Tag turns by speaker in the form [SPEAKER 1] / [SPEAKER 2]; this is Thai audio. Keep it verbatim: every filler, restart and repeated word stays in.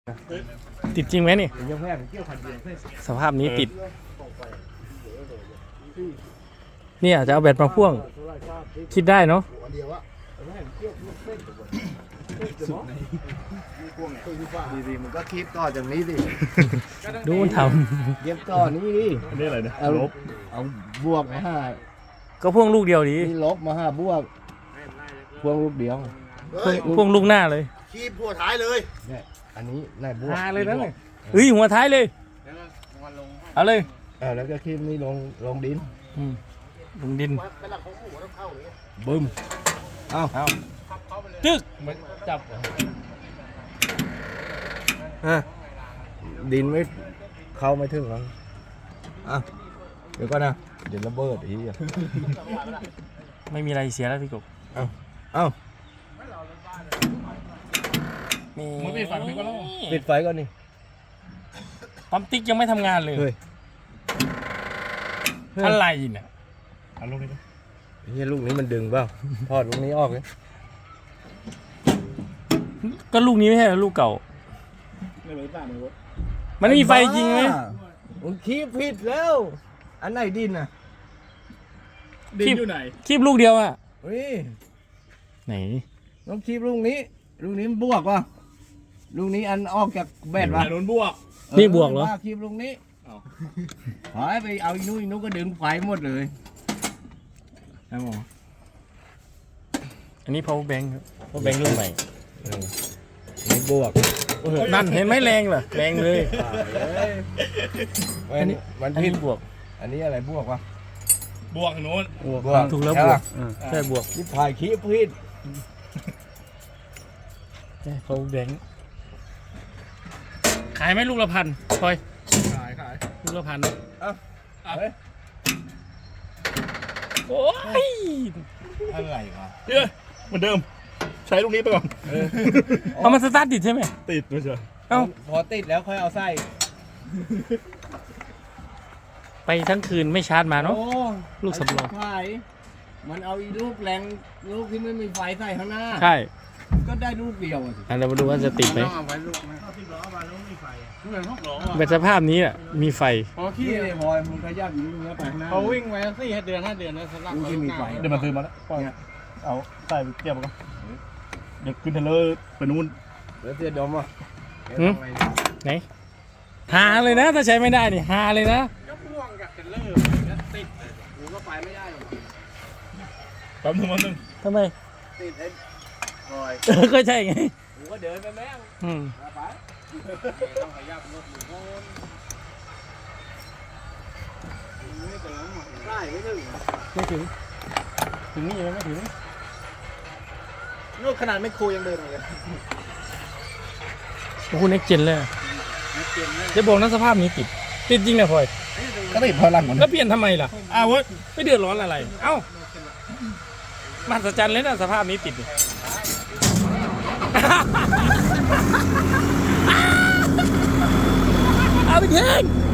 [SPEAKER 1] ติดจริงไหมนี่สภาพนี้ติดเนี่ยจะเอาแบตมาพ่วงคิดได้เนาะ
[SPEAKER 2] ดีๆมันก็คิดต่อจากนี้ดิ
[SPEAKER 1] ดูมันท
[SPEAKER 2] เย็บต่อนี้ดิ
[SPEAKER 3] อันนี้อะไรเนี่ย
[SPEAKER 2] เอา
[SPEAKER 3] ลบ
[SPEAKER 2] เอาบวกมาห้า
[SPEAKER 1] ำก็พ่วงลูกเดียวดี
[SPEAKER 2] นี่ลบมาห้าบวกพวงลูกเดียว
[SPEAKER 1] พ่วงพ่วงลูกหน้าเลย
[SPEAKER 4] ขีบหัวท้ายเลย
[SPEAKER 2] เนี่ยอันนี้นายบวก
[SPEAKER 1] หาเลยนะเนี่ยเฮ้ยหัวท้ายเลยเอาเลย
[SPEAKER 2] เออแล้วก็คีบนี้ลงลงดิน
[SPEAKER 1] อืมลงดิน
[SPEAKER 4] เป็นหลักของหมูต้องเข้าเลย
[SPEAKER 2] บึ้มเอา
[SPEAKER 1] เอาจึ๊กมันจับ
[SPEAKER 2] อ่ะดินไม่เข้าไม่ถึงหรอกอ่ะเดี๋ยวก่อนนะเดี๋ยวระเบิดอีกอ่ะ
[SPEAKER 1] ไม่มีอะไรเสียแล้วพี่กบ
[SPEAKER 2] เอาเอา
[SPEAKER 1] มันปิดไฟพี่ก็ต้อง
[SPEAKER 2] ปิดไฟก่อนนี่
[SPEAKER 1] ปั๊มติ๊กยังไม่ทำงานเลย
[SPEAKER 2] เฮ้ย
[SPEAKER 1] อะไรเนี่ย
[SPEAKER 3] เอาลงนี่นะ
[SPEAKER 2] เฮียลูกนี้มันดึงเปล่าถอดลูกนี้ออกเลย
[SPEAKER 1] ก็ลูกนี้ไม่ใช่เหรอลูกเก่า
[SPEAKER 3] ไม่เหมือนป่าในรถ
[SPEAKER 1] มันมีไฟจริงไหม
[SPEAKER 2] มึงคีบผิดแล้ว อันไหนดินอ่ะ
[SPEAKER 3] ดินอยู่ไหน
[SPEAKER 1] คีบลูกเดียวอะ
[SPEAKER 2] เฮ้ย
[SPEAKER 1] ไหน
[SPEAKER 2] ต้องคีบลูกนี้ ลูกนี้มันบวกว่ะลูกนี้อันออกจากแบตว่ะ
[SPEAKER 3] โดนบวก
[SPEAKER 1] นี่บวกเหรอ
[SPEAKER 2] ว่าคีบลูกนี้
[SPEAKER 3] เอา
[SPEAKER 2] หายไปเอาอีนู้นอีนู้นก็ดึงไฟหมดเลย
[SPEAKER 1] ไอ้หมออันนี้ power bank ครับ power bank รุ่นใหม่
[SPEAKER 2] เออนี่บวก
[SPEAKER 1] นั่นเห็นไหมแรงเหรอแรงเลย
[SPEAKER 2] อันนี้มัน
[SPEAKER 1] อัน
[SPEAKER 2] ผิ
[SPEAKER 1] นี้
[SPEAKER 2] ด
[SPEAKER 1] บวก
[SPEAKER 2] อันนี้อะไรบวกวะ
[SPEAKER 3] บวกโน้น
[SPEAKER 2] บวก
[SPEAKER 1] ถูกแล้วบวกเออใช่บวก
[SPEAKER 2] นี่ถ่ายคีบผิด
[SPEAKER 1] ใช่ power bank ขายไหมลูกละพันพลอย
[SPEAKER 3] ขายขาย
[SPEAKER 1] ลูกละพัน
[SPEAKER 2] เฮ้ย
[SPEAKER 1] โอ้ย
[SPEAKER 2] อะไรวะ
[SPEAKER 3] เดี๋ยวเหมือนเดิม ใช้ลูกนี้ไปก่อน
[SPEAKER 1] เอามันสตาร์ทติดใช่ไหม
[SPEAKER 3] ติดไม่ใช่
[SPEAKER 1] เอ้า
[SPEAKER 2] พอติดแล้วค่อยเอาไส้
[SPEAKER 1] ไปทั้งคืนไม่ชาร์จมาเนาะ
[SPEAKER 2] โอ้
[SPEAKER 1] ลูกสำรอง
[SPEAKER 2] ไฟมันเอาอีลูกแรงลูกที่ไม่มีไฟใส่ข้างหน้า
[SPEAKER 1] ใช่
[SPEAKER 2] ก็ได้ลูกเดียวอะสิ
[SPEAKER 1] อันเรามาดูว่าจะติดไหม
[SPEAKER 4] เอาไว้ลูกนะ
[SPEAKER 3] เหมือนหกล้อ
[SPEAKER 1] แบบสภาพนี้อ่ะมีไฟ
[SPEAKER 4] พอขี้
[SPEAKER 2] นี่เลยพลอยมึงขยับอีลูกนี้ไปข้างหน้า
[SPEAKER 4] เขาวิ่งไว้สี่เดือนห้าเดือนนะสำหรับ
[SPEAKER 2] ลูกที่มีไฟ
[SPEAKER 3] เดี๋ยวมาซื้อมาแล้วปล่อยเอาใส่ไปเก็บมาก่อนเดี๋ยวขึ้นเทเลอร์ไปนู่น
[SPEAKER 2] แล้วเสียดมอ่ะ
[SPEAKER 1] หืม ไหนหาเลยนะ ถ้าใช้ไม่ได้นี่หาเลยนะ
[SPEAKER 4] ก็พ่วงกับเทรลเลอร์แล้วติดเลยกูก็ไปไม่ได้หรอก
[SPEAKER 3] แป๊บนึงแป๊บนึง
[SPEAKER 1] ทำไม
[SPEAKER 2] ติดไอ้พลอย
[SPEAKER 1] เออก็ใช่ไง
[SPEAKER 2] กูก็เดินไปแม่ง
[SPEAKER 1] อืม
[SPEAKER 2] มาไป
[SPEAKER 4] ต้องขยับรถหรือโน่นไม่ถึงใช่ไม่ถึง
[SPEAKER 1] ไม่ถึง ถึงนี่ยังไม่ถึง
[SPEAKER 4] นู่นขนาดไม่ครูยังเดินเลย
[SPEAKER 1] โอ้โหเน็กเจนเลยอะจะบอกนะสภาพนี้ติด ติดจริงนะพลอย
[SPEAKER 3] ก็ติดพอหลังมัน
[SPEAKER 1] แล้วเปลี่ยนทำไมล่ะ อ้าวเว้ยไม่เดือดร้อนอะไร เอ้า มหัศจรรย์เลยนะสภาพนี้ติดนี่ เอาไปทิ้ง